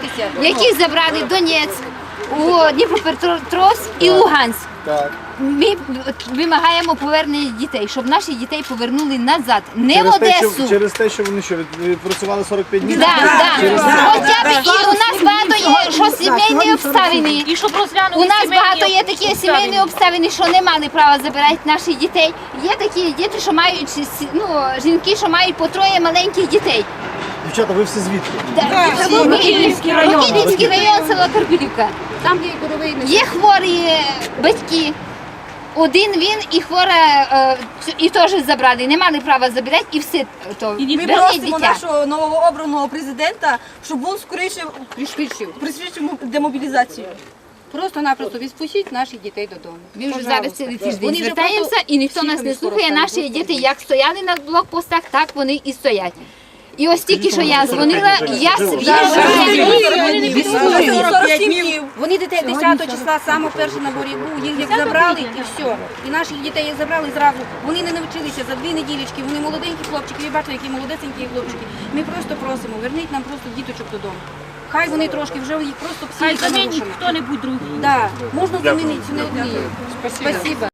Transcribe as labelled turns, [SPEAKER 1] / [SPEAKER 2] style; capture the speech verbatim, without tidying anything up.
[SPEAKER 1] які забрали Донецьк, у Дніпропетровськ і Луганськ.
[SPEAKER 2] Так.
[SPEAKER 1] Ми вимагаємо повернення дітей, щоб наші дітей повернули назад, не в
[SPEAKER 2] Через те, що,
[SPEAKER 1] Одесу.
[SPEAKER 2] через те, що вони що, від- відпрацювали сорок п'ять днів?
[SPEAKER 1] Да, да.
[SPEAKER 2] Через це?
[SPEAKER 1] Хоча б і у нас багато є, що сімейні обставини.
[SPEAKER 3] І щоб розглянули
[SPEAKER 1] У нас
[SPEAKER 3] сімейні
[SPEAKER 1] багато є такі сімейні обставини, що не мали права забирати наших дітей. Є такі діти, що мають ну, жінки, що мають по троє маленьких дітей.
[SPEAKER 2] Дівчата, ви всі звідки?
[SPEAKER 1] Рокітнівський район, Рокітнівський район, село Карпілівка.
[SPEAKER 4] Там є коровий.
[SPEAKER 1] Є хворі батьки. Один він і хвора, е, і теж забрали, не мали права забирати, і все то
[SPEAKER 5] І ми
[SPEAKER 1] верніть
[SPEAKER 5] просимо
[SPEAKER 1] дитя.
[SPEAKER 5] нашого новообраного президента, щоб він скоріше
[SPEAKER 4] Пришвидшив.
[SPEAKER 5] пришвидшив демобілізацію.
[SPEAKER 4] Просто-напросто відпустіть наших дітей додому.
[SPEAKER 1] Ми вже
[SPEAKER 4] Пожалуйста.
[SPEAKER 1] зараз цілий тиждень
[SPEAKER 4] Вони вже
[SPEAKER 1] звертаємося,
[SPEAKER 4] просто
[SPEAKER 1] і ніхто нас не
[SPEAKER 4] психами
[SPEAKER 1] слухає.
[SPEAKER 4] скоро
[SPEAKER 1] Наші
[SPEAKER 4] стануть.
[SPEAKER 1] діти як стояли на блокпостах, так вони і стоять. І ось тільки що я дзвонила, я
[SPEAKER 5] сорок п'ять днів.
[SPEAKER 4] Вони дітей десятого числа саме перші на борі був, їх як забрали і все. І наших дітей як забрали зразу. Вони не навчилися за дві неділечки, вони молоденькі хлопчики, ви бачите, які молодесенькі хлопчики. Ми просто просимо, верніть нам просто діточок додому. Хай вони трошки вже їх просто
[SPEAKER 3] Хай
[SPEAKER 4] психіка
[SPEAKER 3] замінить
[SPEAKER 4] нарушена.
[SPEAKER 3] хто-небудь другий.
[SPEAKER 4] Да, можна замінити не одні. Спасибо.